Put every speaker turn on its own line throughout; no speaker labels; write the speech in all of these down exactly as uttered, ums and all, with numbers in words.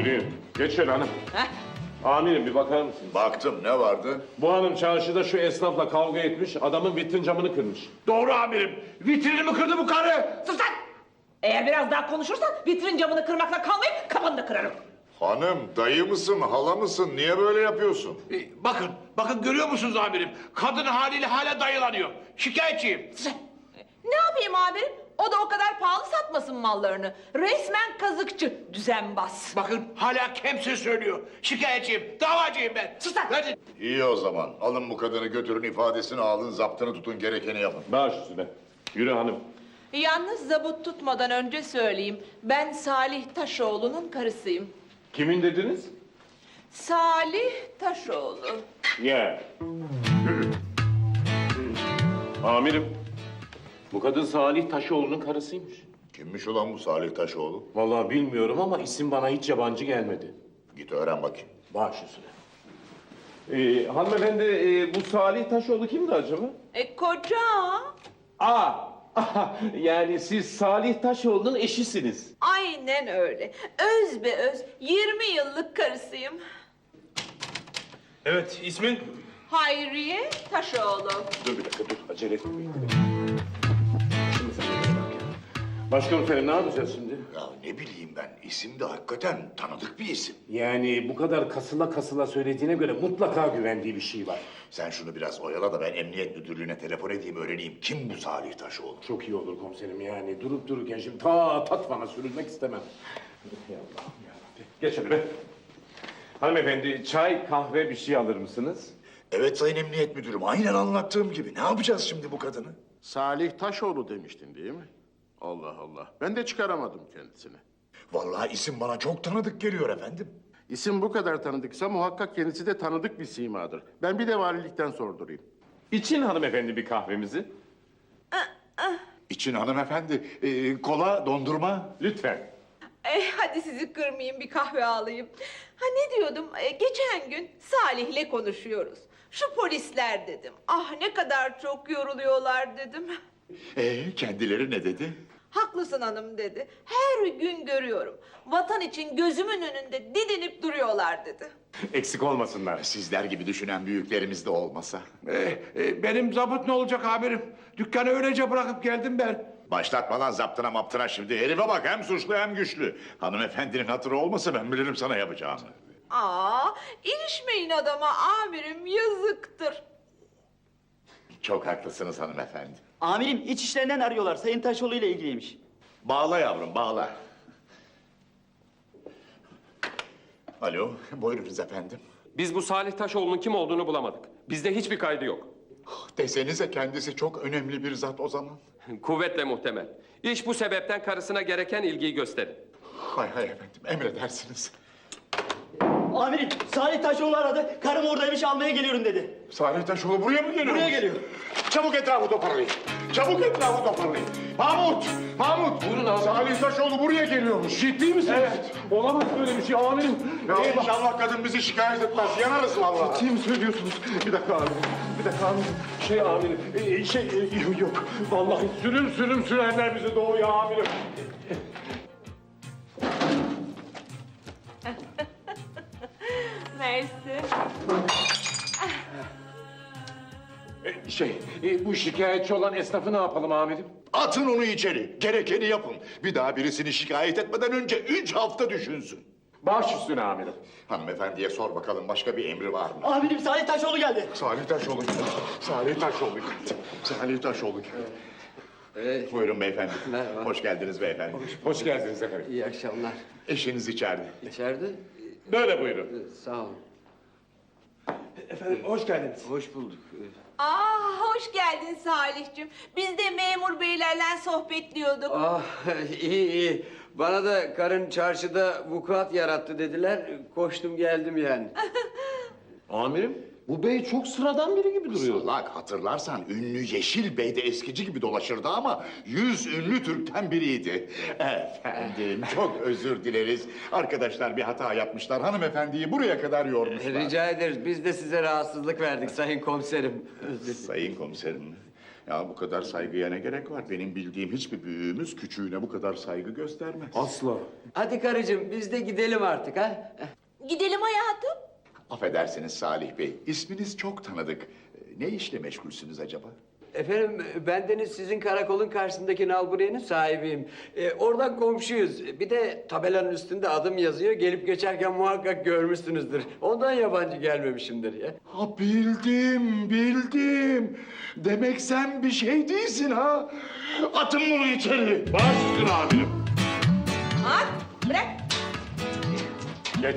Yürüyün. Geç şöyle hanım.
Heh.
Amirim bir bakar mısınız?
Baktım, ne vardı?
Bu hanım çarşıda şu esnafla kavga etmiş, adamın vitrin camını kırmış.
Doğru amirim. Vitrinimi kırdı bu karı.
Sus lan! Eğer biraz daha konuşursan vitrin camını kırmakla kalmayıp kafanı da kırarım.
Hanım, dayı mısın, hala mısın? Niye böyle yapıyorsun?
Ee, bakın, bakın görüyor musunuz amirim? Kadın haliyle hala dayılanıyor. Şikayetçiyim.
Ne yapayım amirim? O da o kadar pahalı satmasın mallarını. Resmen kazıkçı, düzenbaz.
Bakın hala kemse söylüyor. Şikayetçiyim, davacıyım ben.
Sus lan!
Hadi.
İyi o zaman. Alın bu kadını götürün, ifadesini alın, zaptını tutun, gerekeni yapın.
Baş üstüne. Yürü hanım.
Yalnız zabut tutmadan önce söyleyeyim. Ben Salih Taşoğlu'nun karısıyım.
Kimin dediniz?
Salih Taşoğlu.
Ya. Amirim. Bu kadın Salih Taşoğlu'nun karısıymış.
Kimmiş ulan bu Salih Taşoğlu?
Vallahi bilmiyorum ama isim bana hiç yabancı gelmedi.
Git öğren bakayım.
Baş üstüne. Ee, hanımefendi, e, bu Salih Taşoğlu kimdi acaba?
E koca.
Aa, yani siz Salih Taşoğlu'nun eşisiniz.
Aynen öyle. Öz be öz. yirmi yıllık karısıyım.
Evet, ismin?
Hayriye Taşoğlu.
Dur bir dakika, dur. Acele etmeyin. Şimdi sen de geç bak ya. Başkomiserim, ne yapacağız şimdi?
Ya ne bileyim ben, isim de hakikaten tanıdık bir isim.
Yani bu kadar kasıla kasıla söylediğine göre mutlaka güvendiği bir şey var.
Sen şunu biraz oyala da ben emniyet müdürlüğüne telefon edeyim, öğreneyim. Kim bu Salih Taşoğlu?
Çok iyi olur komiserim yani. Durup dururken şimdi ta Tatvan'a sürülmek istemem. Ya Allah'ım yarabbim. Geç hadi be. Hanımefendi, çay, kahve bir şey alır mısınız?
Evet sayın emniyet müdürüm, aynen anlattığım gibi. Ne yapacağız şimdi bu kadını?
Salih Taşoğlu demiştin değil mi? Allah Allah. Ben de çıkaramadım kendisini.
Vallahi isim bana çok tanıdık geliyor efendim.
İsim bu kadar tanıdıksa muhakkak kendisi de tanıdık bir simadır. Ben bir de valilikten sordurayım.
İçin hanımefendi bir kahvemizi.
İçin hanımefendi, ee, kola, dondurma.
Lütfen.
E, hadi sizi kırmayayım, bir kahve alayım. Ha ne diyordum? E, geçen gün Salih'le konuşuyoruz. Şu polisler dedim. Ah ne kadar çok yoruluyorlar dedim.
Ee, kendileri ne dedi?
Haklısın hanım dedi. Her gün görüyorum. Vatan için gözümün önünde didinip duruyorlar dedi.
Eksik olmasınlar.
Sizler gibi düşünen büyüklerimiz de olmasa.
Ee, e, benim zabıt ne olacak amirim? Dükkanı öylece bırakıp geldim ben.
Başlatma lan zaptına maptına şimdi. Herife bak, hem suçlu hem güçlü. Hanımefendinin hatırı olmasa ben bilirim sana yapacağımı.
Aa, ilişmeyin adama amirim, yazıktır.
Çok haklısınız hanımefendi.
Amirim iç işlerinden arıyorlar. Sayın Taşoğlu ile ilgiliymiş.
Bağla yavrum, bağla. Alo, buyurunuz efendim.
Biz bu Salih Taşoğlu'nun kim olduğunu bulamadık. Bizde hiçbir kaydı yok.
Desenize kendisi çok önemli bir zat o zaman.
Kuvvetle muhtemel. İş bu sebepten karısına gereken ilgiyi gösterin.
Hay hay efendim, emredersiniz.
Amirim Salih Taşoğlu aradı. Karım oradaymış, almaya geliyorum dedi.
Salih Taşoğlu buraya mı geliyor?
Buraya geliyor.
Çabuk etrafı toparlayın. Çabuk etrafı toparlayın. Mahmut! Mahmut!
Buyurun abi.
Salih Taşoğlu buraya geliyormuş.
Ciddi misiniz?
Evet.
Olamaz böyle bir şey amirim.
Ya inşallah kadın bizi şikayet etmez. Yanarız vallahi.
Kim söylüyorsunuz? Bir dakika amirim. Bir dakika amirim. Şey amirim. e, şey e, yok, yok. Vallahi sürüm sürüm sürerler bizi doğuya amirim.
Mersi.
E, Şey, e, bu şikayetçi olan esnafı ne yapalım amirim?
Atın onu içeri. Gerekeni yapın. Bir daha birisini şikayet etmeden önce üç hafta düşünsün.
Baş üstüne amirim.
Hanımefendiye sor bakalım, başka bir emri var mı?
Amirim Salih Taşoğlu geldi.
Salih Taşoğlu geldi. Salih Taşoğlu geldi. Salih Taşoğlu geldi. Buyurun beyefendi.
Merhaba.
Hoş geldiniz beyefendi.
Hoş geldiniz efendim.
İyi akşamlar.
Eşiniz içeride.
İçeride?
Böyle buyurun.
Sağ olun.
Efendim hoş geldiniz.
Hoş bulduk.
Aa, hoş geldin Salih'cim. Biz de memur beylerle sohbetliyorduk.
Ah iyi iyi. Bana da karın çarşıda vukuat yarattı dediler. Koştum geldim yani.
Amirim, bu bey çok sıradan biri gibi duruyor.
Salak, hatırlarsan ünlü Yeşil Bey de eskici gibi dolaşırdı ama yüz ünlü Türk'ten biriydi. Efendim, çok özür dileriz. Arkadaşlar bir hata yapmışlar. Hanımefendiyi buraya kadar yormuşlar.
Rica ederiz. Biz de size rahatsızlık verdik sayın komiserim.
Sayın komiserim. Ya bu kadar saygıya ne gerek var? Benim bildiğim hiçbir büyüğümüz küçüğüne bu kadar saygı göstermez.
Asla.
Hadi karıcığım biz de gidelim artık ha.
Gidelim hayatım.
Affedersiniz Salih Bey, isminiz çok tanıdık. Ne işle meşgulsünüz acaba?
Efendim bendeniz sizin karakolun karşısındaki nalburiyenin sahibiyim. Ee, oradan komşuyuz. Bir de tabelanın üstünde adım yazıyor. Gelip geçerken muhakkak görmüşsünüzdür. Ondan yabancı gelmemişimdir ya.
Ha bildim, bildim. Demek sen bir şey değilsin ha. Atın bunu içeri.
Baş üstüne amirim.
At, bırak.
Geç.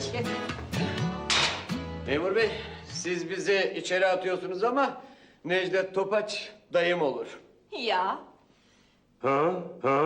Memur bey siz bizi içeri atıyorsunuz ama Necdet Topaç dayım olur.
Ya.
Ha? Ha?